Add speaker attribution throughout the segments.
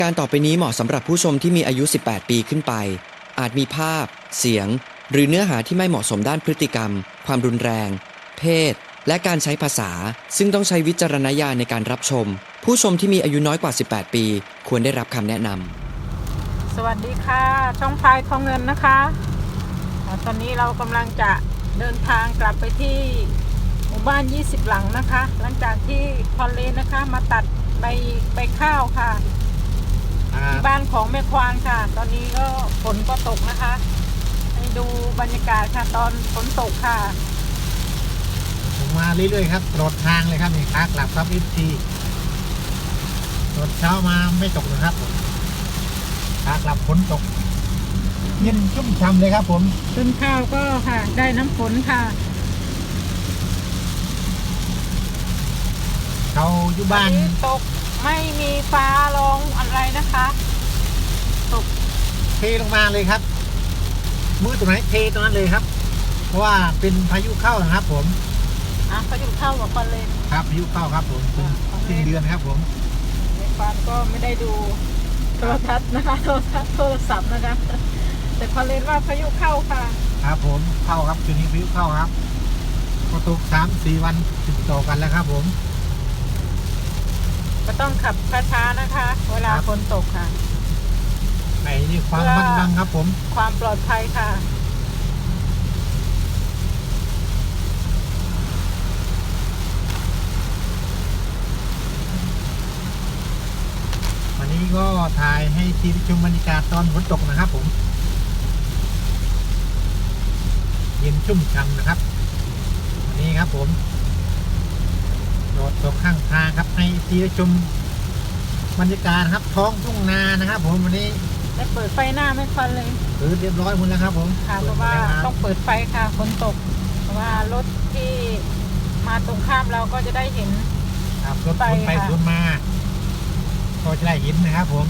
Speaker 1: การต่อไปนี้เหมาะสำหรับผู้ชมที่มีอายุ 18 ปีขึ้นไป อาจมีภาพ เสียง หรือเนื้อหาที่ไม่เหมาะสมด้านพฤติกรรม ความรุนแรง เพศ และการใช้ภาษา ซึ่งต้องใช้วิจารณญาณในการรับชม ผู้ชมที่มีอายุน้อยกว่า 18 ปี ควรได้รับคำแนะนำ
Speaker 2: สวัสดีค่ะช่องพายทองเงินนะคะตอนนี้เรากำลังจะเดินทางกลับไปที่หมู่บ้าน 20 หลังนะคะ หลังจากที่พอลเลนนะคะมาตัดใบข้าวค่ะที่บ้านของแม่ควานค่ะ ตอนนี้ก็ฝนก็ตกนะคะให้ดูบรรยากาศค่ะตอนฝนตกค่ะ
Speaker 3: ผมมาเรื่อยๆครับตลอดทางเลยครับนี่ขากลับครับFTตอนเช้ามาไม่ตกนะครับผมขากลับฝนตกเย็นชุ่มฉ่ำเลยครับผม
Speaker 2: ต้นข้าวก็ค่ะได้น้ำฝนค่ะ
Speaker 3: เขาอยู่บ้าน
Speaker 2: ตกไม่มีฟ้าร้องอะไรนะคะตก
Speaker 3: เทลงมาเลยครับมือตรงไหนเทตรงนั้นเลยครับ เพราะว่าเป็นพายุเข้านะครับผม
Speaker 2: เขาอยู่เข้ากับพอลเลน
Speaker 3: ครับพายุเข้าครับผมเป็นสิ้นเดือนครับผม
Speaker 2: ในฟาร์มก็ไม่ได้ดูโทรทัศน์นะคะโทรศัพท์นะคะแต่พอเล่นว่าพายุเข้าค่ะ
Speaker 3: ครับผมเข้าครับช่วงนี้พายุเข้าครับก็ตก3-4 วันติดต่อกันแล้วครับผม
Speaker 2: ก็ต้องขับช้าๆนะคะ เวลาฝนตกค่ะ
Speaker 3: ไอ้นี่ความมั่นบังครับผม
Speaker 2: ความปลอดภัยค่ะ
Speaker 3: วันนี้ก็ถ่ายให้ทีมชมบรรยากาศตอนฝนตกนะครับผมเย็นชุ่มฉ่ำนะครับวันนี้ครับผมโดดตกข้างทางครับให้ทีมชมบรรยากาศครับท้องทุ่งนานะครับผมวันนี้
Speaker 2: ได้เปิดไฟหน้าไม่ควันเลย
Speaker 3: เรียบร้อยหมดแล้วครับผม
Speaker 2: ค่ะเพราะว่าต้องเปิดไฟค่ะฝนตก เพราะว่ารถที่มาตรงข้ามเราก็จะได้เห็น
Speaker 3: ครับรถสวนไปสวนมาก็จะได้เห็นนะครับผม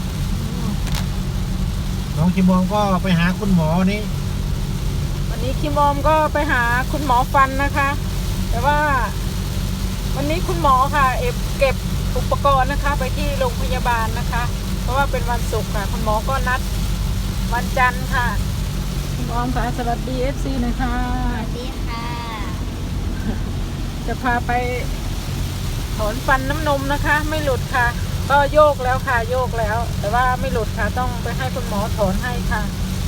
Speaker 3: น้องชิมองก็ไปหาคุณหมอนี่
Speaker 2: วันนี้คิมอมก็ไปหาคุณหมอฟันนะคะ แต่ว่าวันนี้คุณหมอค่ะเก็บอุปกรณ์นะคะ ไปที่โรงพยาบาลนะคะ เพราะว่าเป็นวันศุกร์ค่ะคุณหมอก็นัดวันจันทร์ค่ะคุณออมค่ะสวัสดี FC หน่อยค่ะ
Speaker 4: สวัสดีค่ะ
Speaker 2: จะพาไปถอนฟันน้ำนมนะคะ ไม่หลุดค่ะ ก็โยกแล้วค่ะโยกแล้ว แต่ว่าไม่หลุดค่ะต้องไปให้คุณหมอถอนให้ค่ะ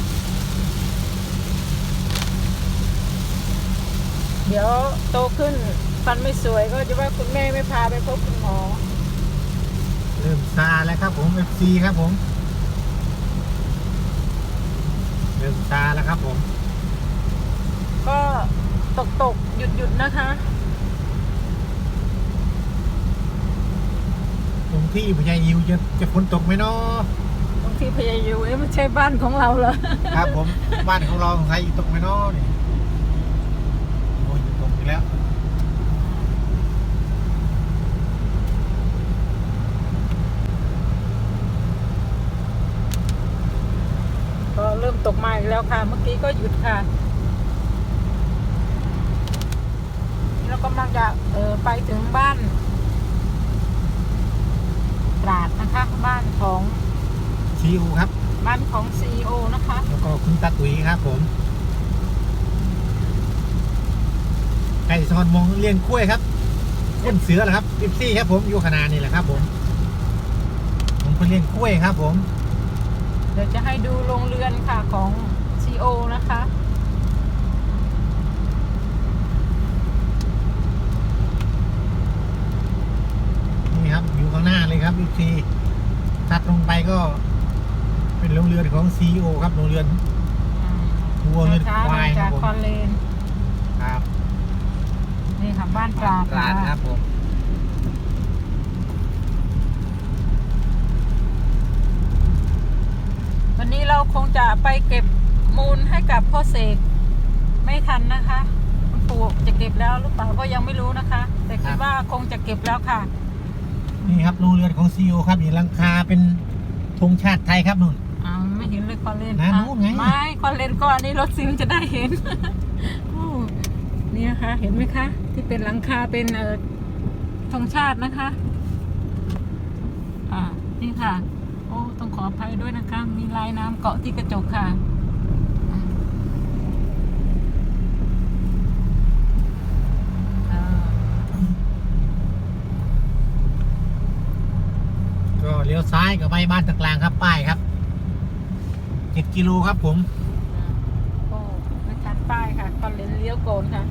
Speaker 2: เดี๋ยวโตขึ้นฟันไม่สวยก็จะว่าคุณแม่ไม่พาไปพบคุณหมอ
Speaker 3: เริ่มซาแล้วครับผม FC ครับผมเริ่มซาแล้วครับผม
Speaker 2: ก็ตกหยุดนะคะ
Speaker 3: ตรงที่พญายิวจะฝนตกไหมเนาะ
Speaker 2: บางทีพยายามไม่ใช่บ้านของเราเหรอ
Speaker 3: ครับผมบ้านของเราของใครอยู่ตกไหมเนาะนี่โอ้ยอยู่ตกอีกแล้ว
Speaker 2: ก็เริ่มตกมาอีกแล้วค่ะ เมื่อกี้ก็หยุดค่ะนี่เรากำลังจะไปถึงบ้านตราดนะคะ บ้านของ
Speaker 3: ซีอูครับ
Speaker 2: บ้านของ CEO นะคะ
Speaker 3: แล้วก็คุณตาตุ๋ยครับผมไก่ซอนมองเลี้ยงกล้วยครับก้นเสือเหรอครับ14ครับผมอยู่ขนาดนี่แหละครับผมคนเลี้ยงกล้วยครับผม
Speaker 2: เดี๋ยวจะให้ดูโรงเรือนค่ะของ CEO นะคะ
Speaker 3: นี่ครับอยู่ข้างหน้าเลยครับ14ถัดลงไปก็เป็นโรงเรือนของ CEO ครับโรงเรือน วัวเงินควายค
Speaker 2: จา
Speaker 3: รับ
Speaker 2: ก
Speaker 3: ผม
Speaker 2: คอนเลน
Speaker 3: ครับ
Speaker 2: นี่ค่ะบ้านตราด
Speaker 3: ร้าน
Speaker 2: นะ
Speaker 3: ค
Speaker 2: คะ
Speaker 3: รับผม
Speaker 2: วันนี้เราคงจะไปเก็บมูลให้กับพ่อเสกไม่ทันนะคะคุณปู่จะเก็บแล้วหรือเปล่าก็ยังไม่รู้นะคะ แต่คิดว่าคงจะเก็บแล้วค่ะ
Speaker 3: นี่ครับโรงเรือนของ CEO ครับนี่หลังคาเป็นธงชาติไทยครับนุ่น
Speaker 2: ไม่เห็นเลยคอนเลน
Speaker 3: นะนู่นไง
Speaker 2: ไม่คอนเลนก่อนนี่รถซิมจะได้เห็น โอ้นี่นะคะเห็นไหมคะ ที่เป็นหลังคาเป็นธงชาตินะคะนี่ค่ะต้องขออภัยด้วยนะคะ มีลายน้ำเกาะที่กระจกค่ะ
Speaker 3: ก็เลี้ยวซ้ายกับไปบ้านตะกลางครับป้ายครับ7 กิโลครับผม
Speaker 2: ก็ไม่ทันป้ายค่ะตอนเลี้ยวโกนค่ะ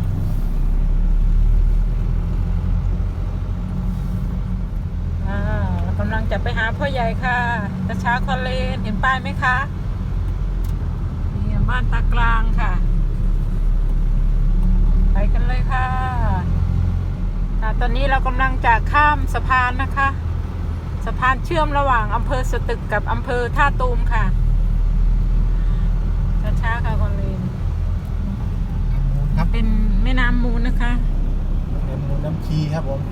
Speaker 2: เรากำลังจะไปหาพ่อใหญ่ค่ะกระช้าคอนเลนเห็นป้ายไหมคะนี่บ้านตากลางค่ะไปกันเลยค่ะตอนนี้เรากำลังจะข้ามสะพานนะคะสะพานเชื่อมระหว่างอำเภอสตึกกับอำเภอท่าตูมค่ะช้าๆค่ะคอนเลน
Speaker 3: ครับ
Speaker 2: เป็นแม่น้ำมูลนะคะ
Speaker 3: เป็นมูลน้ำชีครับผม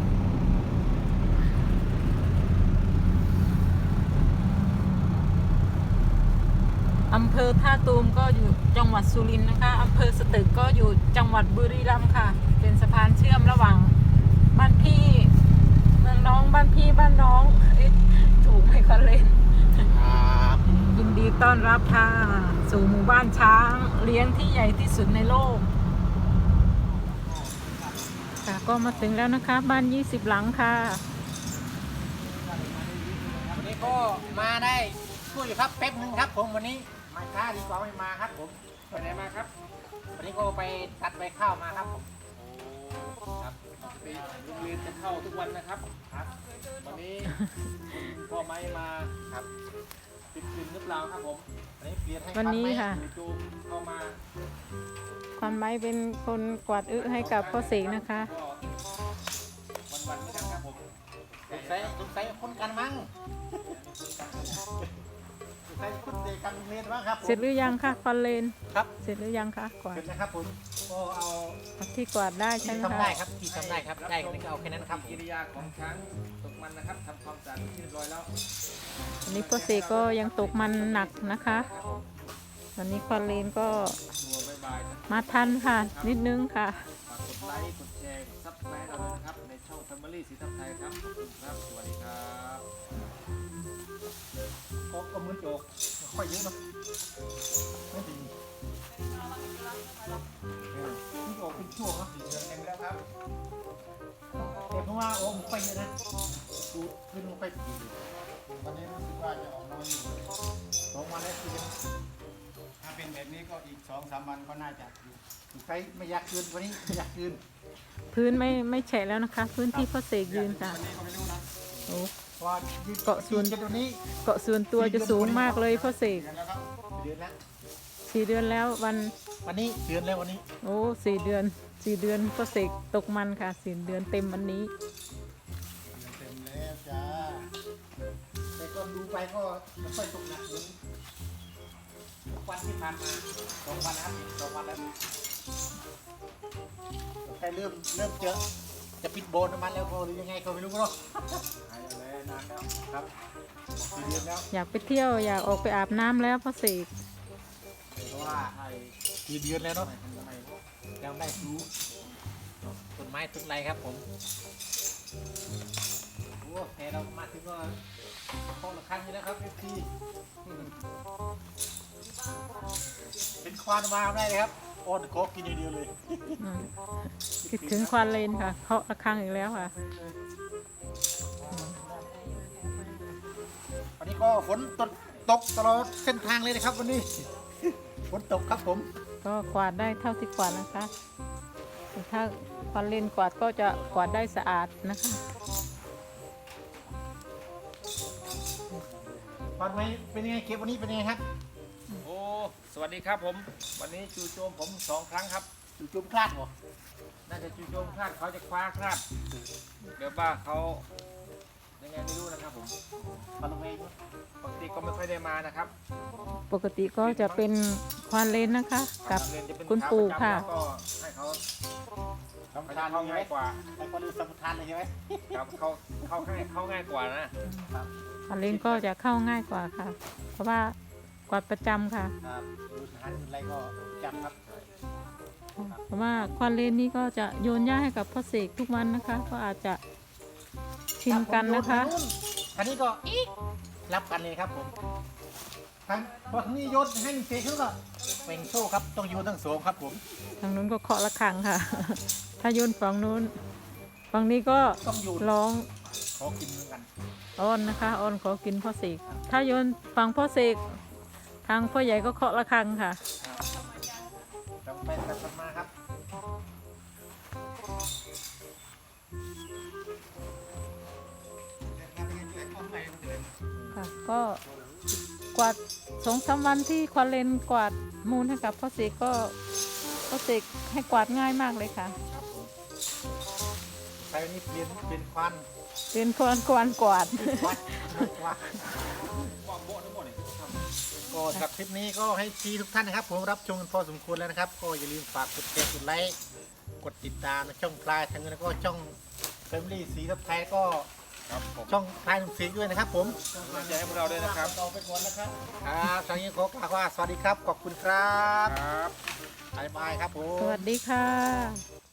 Speaker 2: อำเภอท่าตูมก็อยู่จังหวัดสุรินทร์นะคะอำเภอสตึกก็อยู่จังหวัดบุรีรัมย์ค่ะ เป็นสะพานเชื่อมระหว่างบ้านพี่เมืองน้องบ้านพี่บ้านน้องถูกไหมคอนเลน
Speaker 3: ครับ
Speaker 2: ยินดีต้อนรับค่ะสู่หมู่บ้านช้างเลี้ยงที่ใหญ่ที่สุดในโลกค่ะก็มาถึงแล้วนะคะบ้าน20หลังค่ะ
Speaker 3: วันนี้ก็มาได้ช่วยอยู่ครับแป๊บนึงครับผมวันนี้มาช้าดีกว่าไม่มาครับผมไปไหนมาครับ วันนี้ก็ไปตัดใบข้าวมาครับผม
Speaker 4: ครับไปโรงเรียนจะเข้าทุกวันนะครับ
Speaker 3: ครับ
Speaker 4: วันนี้พ่อไม้มา
Speaker 3: ครับ
Speaker 4: ติดกลิ่นหรือเปล่าครับผม
Speaker 3: วันนี้เปลี่ยนให้
Speaker 2: วันนี้ค่ะ
Speaker 4: จู่ๆเข้ามา
Speaker 2: ความไม้เป็นคนกวาดอึให้กับพ่อเสกนะคะ
Speaker 4: ก็วันๆเหมือนกันครับผม
Speaker 3: สงสัยคนกันมั้งสงสัยคนเด็กกันเรียนมั้งครับผม
Speaker 2: เสร็จหรือยังคะคอนเลน
Speaker 3: ครับ
Speaker 2: เสร็จหรือยังคะกวา
Speaker 3: เส
Speaker 2: ด
Speaker 3: ร็จนะครับผมก็เอา
Speaker 2: ที่กวาดได้ใช่
Speaker 3: ที่
Speaker 2: ไหม
Speaker 3: ทำ
Speaker 2: คะ
Speaker 3: ได้ครับที่ทำได้ครับได้ก็เอาแค่นั้นครับ
Speaker 4: กิริยาของช้างตกมันนะครับทำความสะอาดที่เรียบร้อยแล้ว
Speaker 2: วันนี้พ่อเสกก็ยังตกมันหนักนะคะวันนี้คอนเลนก็
Speaker 4: หัวบายๆนะ
Speaker 2: มาทันค่ะ นิดนึงค่ะ
Speaker 4: ฝากกดไลค์กดแชร์กดซับสไครต์เราด้วยนะครับในช่อง Family สีทับไทยครับขอบคุณครับสวัสดีครับ
Speaker 3: ก็มือโจกค่อยเยอะนะไม่ดีมือโจกเป็นช่วงนะ4 เดือนเต็มแล้วครับแต่เพราะว่าโอ้มันค่อยเยอะนะดูขึ้นมันค่อยดีวันนี้รู้สึกว่าจะออกน้อยอยู่2 วันแล้วคือถ้าเป็นแบบนี้ก็อีก2-3 วันก็น่าจะอยู่ใช้ไม่อยากคืนวันนี้ไม่อยากคืน
Speaker 2: พื้นไม่แฉะแล้วนะคะ พื้นที่พ่อเสกยืนค่ะ
Speaker 3: วันนี้ก็ไม่รู้นะ
Speaker 2: โอ้
Speaker 3: เพราะว่า
Speaker 2: เกาะส่วน
Speaker 3: จะตรงนี้
Speaker 2: เกาะส่วนตัวจะสูงมากเลยพ่อเสก
Speaker 3: เดือนแล้วครับเดือนแล้ว
Speaker 2: 4 เดือนแล้ว
Speaker 3: วันนี้เดือนแล้ววันนี้
Speaker 2: โอ้4 เดือนพ่อเสกตกมันค่ะ4 เดือนเต็มวันนี้
Speaker 3: เต็มแล้วจ้าแต่ก็ดูไปก็ไม่ค่อยตกหนักเหมือนวันที่ผ่านมา2 วันนะครับ2 วันแล้วแต่เริ่มจะปิดโบนน้ำมันแล้วพอหรือยังไงก็ไม่รู้เนาะหายแล้วนานแล้วครับ4 เดือนแล้ว
Speaker 2: อยากไปเที่ยวอยากออกไปอาบน้ำแล้วพ่อเสก
Speaker 3: เพราะว่า4 เดือนแล้วเนาะยังได้รู้ต้นไม้ต้นไรครับผมโอ้แต่เรามาถึงก็ห้องละครั้งนี้แล้วครับพี่เป็นควานมาได้เลยครับโอ้โคกกินอย่างเดียวเลย
Speaker 2: อืมคิดถึงควันเลนค่ะเคาะระฆังอีกแล้วค่ะ
Speaker 3: วันนี้ก็ฝนตกตลอดเส้นทางเลยนะครับวันนี้ ฝนตกครับผม
Speaker 2: ก็กวาดได้เท่าที่กวาดนะคะแต่ถ้าควันเลนกวาดก็จะกวาดได้สะอาดนะคะ
Speaker 3: ฟันไหมเป็นยังไงเก็บวันนี้เป็นยังไงครับ
Speaker 4: โอ้สวัสดีครับผม วันนี้จู่โจมผม2 ครั้งครับ
Speaker 3: จู่โจมพลาดเหรอ
Speaker 4: น่าจะจู่โจมคลาดเขาจะคว้าคลาดเดี๋ยวว่าเขายังไงไม่รู้นะครับผม
Speaker 3: ฟันลงเอง
Speaker 4: ปกติก็ไม่ค่อยได้มานะครับ
Speaker 2: ปกติก็จะเป็นควันเลนนะคะ กับ
Speaker 4: เรียนจะเป็น
Speaker 2: คุณปู่ค่ะ
Speaker 4: แล้วก็ให้เขา
Speaker 3: สำ
Speaker 4: เขา
Speaker 3: ทา
Speaker 4: จะ
Speaker 3: น
Speaker 4: เข้า
Speaker 3: ใช่ไหม
Speaker 4: ง่ายกว่า
Speaker 3: แต่คนดูสำทานเลยใช่ไหม
Speaker 4: ครับเข้าง่ายกว่านะ
Speaker 2: ควันเลนก็จะเข้าง่ายกว่าค่ะ เพราะว่ากวาดประจำค่ะ
Speaker 3: ครับดูทานอะไรก็จำครับ
Speaker 2: เพราะว่าควันเลนนี่ก็จะโยนหญ้าให้กับพ่อเสกทุกวันนะคะ ก็อาจจะชินกันนะคะ
Speaker 3: อันนี้ก็อีกรับกันเลยครับผมทั้งพอทั้งนี้โยนให้เฟกเขาก็เป็นโซ่ครับต้องโยนทั้งสองครับผม
Speaker 2: ทางนู้นก็เคาะระฆังค่ะ ถ้าโยนฝั่งนู้นฝั่งนี้ก็
Speaker 3: ต้องโยน
Speaker 2: ร้อง
Speaker 3: ขอกินเหมือนกัน
Speaker 2: อ้อนนะคะอ้อนขอกินพ่อเสกถ้าโยนฝั่งพ่อเสกทางพ่อใหญ่ก็เคาะระฆังค่ะ
Speaker 3: ต้องไปกันมาครับ
Speaker 2: ค่ะก็กวาด2-3 วันที่ควาเลนกวาดมูลให้กับพ่อเสกก็พ่อเสกให้กวาดง่ายมากเลยค่ะ
Speaker 3: ใช้นี่เป็นควัน
Speaker 2: เป็นคนกวาดกวาด
Speaker 3: วัดวัดก็สำหรับคลิปนี้ก็ให้ทีทุกท่านนะครับ ผมรับชมกันพอสมควรแล้วนะครับ ก็อย่าลืมฝากกดแชร์กดไลค์กดติดตามในช่องพลายทางเงินแล้วก็ช่อง Family สีทับไทยก็
Speaker 4: ครับผม
Speaker 3: ช่องพลายหนุ่มสีด้วยนะครับ ผม
Speaker 4: กำลังใจให้พวกเราด้วยนะครับ
Speaker 3: ต่อไปก่อนนะครับครับทางนี้ขอกล่าวว่าสวัสดีครับขอบคุณครับ
Speaker 4: ครับ
Speaker 3: บ๊ายบายครับผม
Speaker 2: สวัสดีค่ะ